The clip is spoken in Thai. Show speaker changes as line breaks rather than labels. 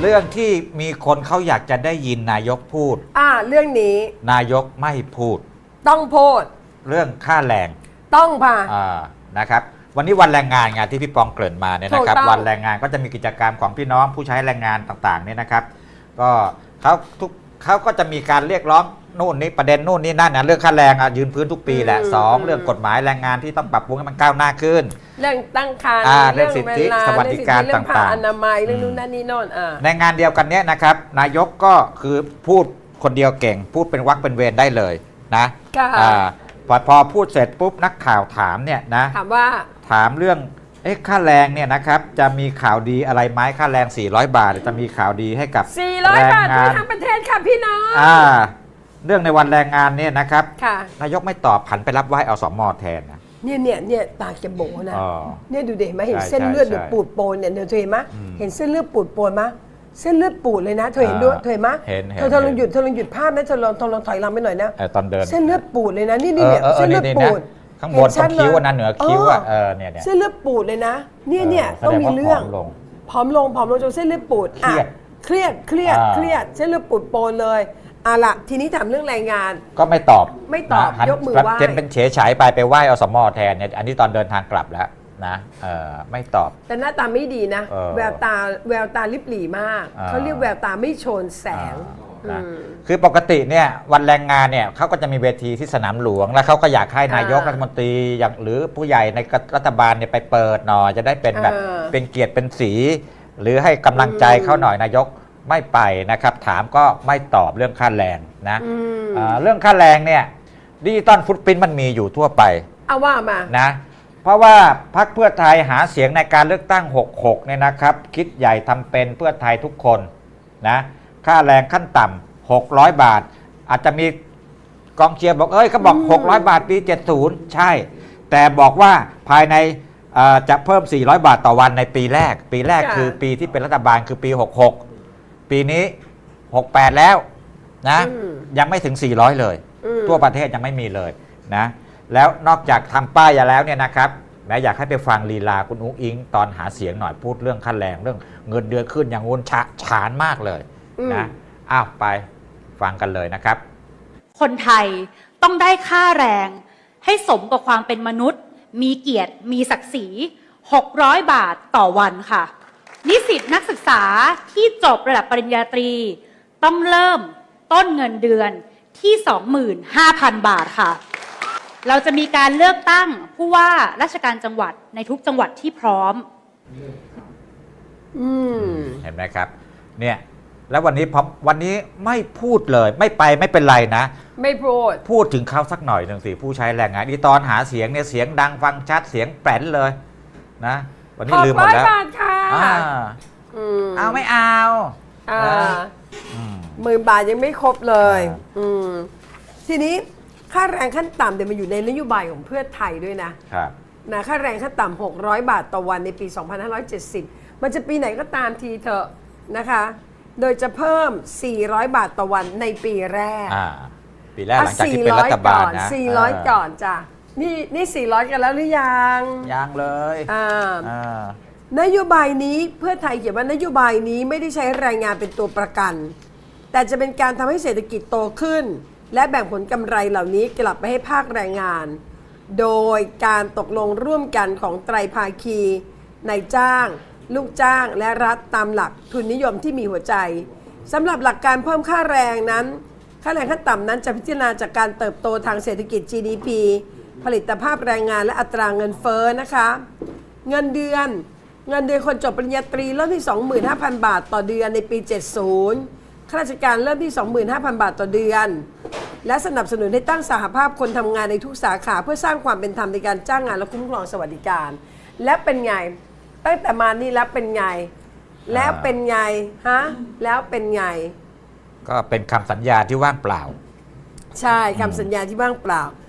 รื่องที่มีคนเขาอยากจะได้ยินนายกพูด
เรื่องนี้
นายกไม่พูด
ต้องพูด
เรื่องค่าแรง
ต้องค่ะ
นะครับวันนี้วันแรงงานที่พี่ปองเกริ่นมาเนี่ยนะครับวันแรงงานก็จะมีกิจกรรมของพี่น้องผู้ใช้แรงงานต่างๆเนี่ยนะครับก็เขาก็จะมีการเรียกร้องนู่นนี่ประเด็นนู่นนี่นั่นนะเรื่องค่าแรงยืนพื้นทุกปีแหละ2เรื่องกฎหมายแรงงานที่ต้องปรับปรุงให้มันก้าวหน้าขึ้น
เรื่องตั้งครรภ์
เรื่องสิทธิสวัสดิการต่างๆ
อนามัยเรื่องนู่นนั่นนี่โน่น
ในงานเดียวกันเนี้ยนะครับนายกก็คือพูดคนเดียวเก่งพูดเป็นวรรคเป็นเวรได้เลยนะพอพูดเสร็จปุ๊บนักข่าวถามเนี่ยนะถามเรื่องค่าแรงเนี่ยนะครับจะมีข่าวดีอะไรไหมค่าแรง400 บาทจะมีข่าวดีให้กับ
400 บาททั่วทั้งประเทศค่ะพี่น้อง
เรื่องในวันแรงงานเนี่ยนะครับนายกไม่ตอบผันไปรับไหว้อสม.แทนนะ
เนี่ยตาจะโบนะเนี่ยดูเด็กไหมเห็นเส้นเลือดปูดโปนเนี่ยเธอเห็นไหมเห็นเส้นเลือดปูดโปนไหมเส้นเลือดปูดเลยนะเธอเห็นด้วยเธอเห็นไหมเธอลองหยุดภาพนะเธอลองถอยหลังไปหน่อยนะ
ตอนเดิน
เส้นเลือดปูดเลยนะนี่เนี่ยเส้นเลือดปูด
ข้างบนตรงคิ้วนะเหนือคิ้วเนี่ย
เส้นเลือดปูดเลยนะเนี่ยต้องมีเรื่องผอมลงจนเส้นเลือดปูดเครียดเส้นเลือดปูดโปนเลยละทีนี้ถามเรื่องแรงงาน
ก็ไม่ตอบ
ยกมือไหว้
เป็นเฉยฉายไปไหว้อสม.แทนเนี่ยอันนี้ตอนเดินทางกลับแล้วนะไม่ตอบ
แต่หน้าตาไม่ดีนะแววตาลิบหลี่มากเขาเรียกแววตาไม่โชนแสง
คือปกติเนี่ยวันแรงงานเนี่ยเขาก็จะมีเวทีที่สนามหลวงแล้วเขาก็อยากให้นายกรัฐมนตรีอย่างหรือผู้ใหญ่ในรัฐบาลเนี่ยไปเปิดหน่อยจะได้เป็นแบบเป็นเกียรติเป็นสีหรือให้กำลังใจเขาหน่อยนายกไม่ไปนะครับถามก็ไม่ตอบเรื่องค่าแรงนะเรื่องค่าแรงเนี่ยดิจิตอลฟุตปรินท์มันมีอยู่ทั่วไป
เอาว่ามา
นะเพราะว่าพรรคเพื่อไทยหาเสียงในการเลือกตั้ง66เนี่ยนะครับคิดใหญ่ทำเป็นเพื่อไทยทุกคนนะค่าแรงขั้นต่ำ600 บาทอาจจะมีกองเชียร์บอกเขาบอก600 บาทปี70ใช่แต่บอกว่าภายในจะเพิ่ม400 บาทต่อวันในปีแรกคือปีที่เป็นรัฐบาลคือปี66ปีนี้68แล้วนะยังไม่ถึง400เลยทั่วประเทศยังไม่มีเลยนะแล้วนอกจากทำป้ายแล้วเนี่ยนะครับแม้อยากให้ไปฟังลีลาคุณอุ๊งอิงตอนหาเสียงหน่อยพูดเรื่องค่าแรงเรื่องเงินเดือนขึ้นอย่างงูนฉานมากเลยนะไปฟังกันเลยนะครับ
คนไทยต้องได้ค่าแรงให้สมกับความเป็นมนุษย์มีเกียรติมีศักดิ์ศรี600 บาทต่อวันค่ะนิสิตนักศึกษาที่จบระดับปริญญาตรีต้องเริ่มต้นเงินเดือนที่ 25,000 บาทค่ะเราจะมีการเลือกตั้งผู้ว่าราชการจังหวัดในทุกจังหวัดที่พร้อม
เห็นไหมครับเนี่ยแล้ววันนี้ไม่พูดเลยไม่ไปไม่เป็นไรนะ
ไม่
พูดถึงเขาสักหน่อยหนึ่งสิผู้ใช้แรงงานอีตอนหาเสียงเนี่ยเสียงดังฟังชัดเสียงแปรนเลยนะวันนี้ลืมหมดแล้วเอาไม่เอา
10,000 บาทยังไม่ครบเลยทีนี้ค่าแรงขั้นต่ำเดี๋ยวมันอยู่ในนโยบายของเพื่อไทยด้วยนะค่าแรงขั้นต่ำ600 บาทต่อวันในปี 2570มันจะปีไหนก็ตามทีเถอะนะคะโดยจะเพิ่ม400 บาทต่อวันในปีแรก
ปีแรกหลังจากที่เป็นรัฐบาลนะ
400ก่อนจ้ะนี่400กันแล้วหรือยัง
เลย
นโยบายนี้เพื่อไทยเขียนว่านโยบายนี้ไม่ได้ใช้แรงงานเป็นตัวประกันแต่จะเป็นการทำให้เศรษฐกิจโตขึ้นและแบ่งผลกำไรเหล่านี้กลับไปให้ภาคแรงงานโดยการตกลงร่วมกันของไตรภาคีนายจ้างลูกจ้างและรัฐตามหลักทุนนิยมที่มีหัวใจสำหรับหลักการเพิ่มค่าแรงนั้นค่าแรงขั้นต่ำนั้นจะพิจารณาจากการเติบโตทางเศรษฐกิจ GDP ผลิตภาพแรงงานและอัตราเงินเฟ้อนะคะเงินเดือนคนจบปริญญาตรีเริ่มที่ 25,000 บาทต่อเดือนในปี 70ข้าราชการเริ่มที่ 25,000 บาทต่อเดือนและสนับสนุนให้ตั้งสหภาพคนทำงานในทุกสาขาเพื่อสร้างความเป็นธรรมในการจ้างงานและคุ้มครองสวัสดิการและเป็นไงตั้งแต่มานี่แล้วเป็นไงแล้วเป็นไง
ก็เป็นคำสัญญาที่ว่างเปล่า
ใช่คำสัญญาที่ว่างเปล่า